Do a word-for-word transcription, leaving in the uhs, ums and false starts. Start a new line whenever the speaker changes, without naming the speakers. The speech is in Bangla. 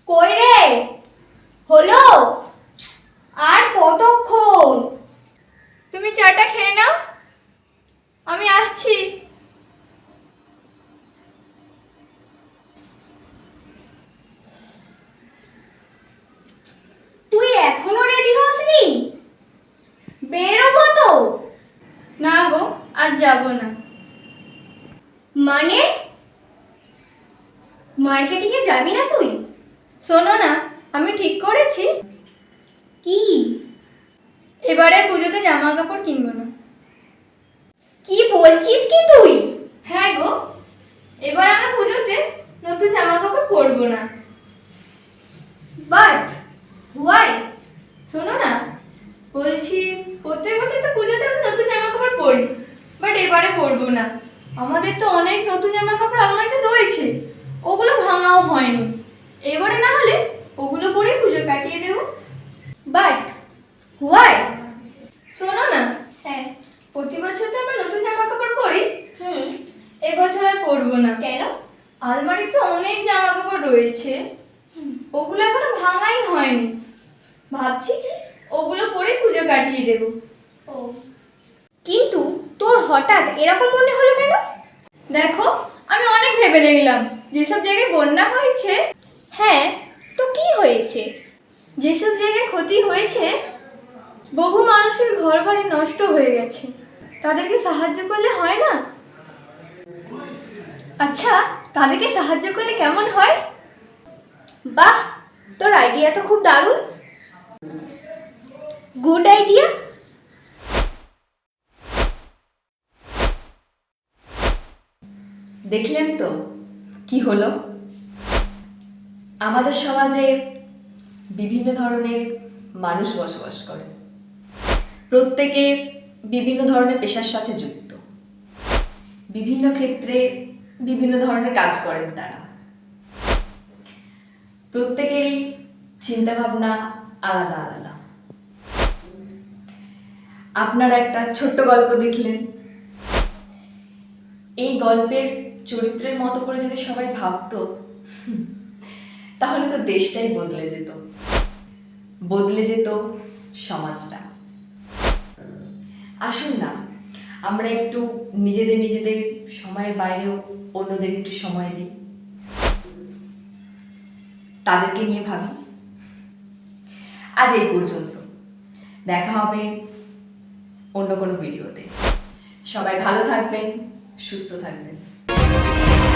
কই রে? হলো? আর কতক্ষণ?
তুমি চাটা খেয়ে নাও, আমি আসছি।
তুই এখনো রেডি হসনি? বেরোবো তো।
না গো, আজ যাব না।
মানে মার্কেটিং এ যাবি না তুই?
শোনো না, আমি ঠিক করেছি
কি?
এবারের পুজোতে জামা কাপড় কিনবো না।
কি বলছিস কি তুই?
হ্যাঁ গো, এবার আমরা পুজোতে নতুন জামা কাপড় পরবো না।
But why?
শোনো না, বলছি প্রত্যেক বছর তো পুজোতে আমরা নতুন জামা কাপড় পরি, বাট এবারে পরবো না। আমাদের তো অনেক নতুন জামা কাপড় আলমারিতে রয়েছে, ওগুলো ভাঙাও হয়নি। এবারে না হলে ওগুলো পরেই পুজো কাটিয়ে দেবো।
But why?
শোনো না,
হ্যাঁ।
প্রতি বছর তো আমরা নতুন জামা কাপড় পরি,
হুম।
এবছর আর পরবো না।
কেন?
আলমারিতে অনেক জামা কাপড় রয়েছে, ওগুলো এখনো ভাঙাই হয়নি। ভাবছি কি ওগুলো পরে পুজো কাটিয়ে দেবো।
ও, কিন্তু তোর হঠাৎ এরকম মনে হলো কেন?
দেখো, আমি অনেক ভেবে দেখলাম, যেসব জায়গায় বন্যা হয়েছে,
হ্যাঁ, তো কি হয়েছে?
যেসব জায়গায় ক্ষতি হয়েছে, বহু মানুষের ঘর বাড়ি নষ্ট হয়ে গেছে, তাদেরকে সাহায্য করলে হয় না? আচ্ছা, তাদেরকে সাহায্য করলে কেমন হয়?
বাহ, তোর আইডিয়া তো খুব দারুণ। Good idea.
দেখলেন তো কি হলো? আমাদের সমাজে বিভিন্ন ধরনের মানুষ বসবাস করে, প্রত্যেকে বিভিন্ন ধরনের পেশার সাথে যুক্ত, বিভিন্ন ক্ষেত্রে বিভিন্ন ধরনের কাজ করেন তারা। প্রত্যেকেরই চিন্তা ভাবনা আলাদা আলাদা। আপনারা একটা ছোট্ট গল্প দেখলেন, এই গল্পের চরিত্রের মতো করে যদি সবাই ভাবতো, তাহলে তো দেশটাই বদলে যেত, বদলে যেত সমাজটা। আসুন না, আমরা একটু নিজেদের নিজেদের সময়ের বাইরেও অন্যদের একটু সময় দিই, তাদেরকে নিয়ে ভাবি। আজ এই পর্যন্ত, দেখা হবে অন্য কোনো ভিডিওতে। সবাই ভালো থাকবেন, সুস্থ থাকবেন।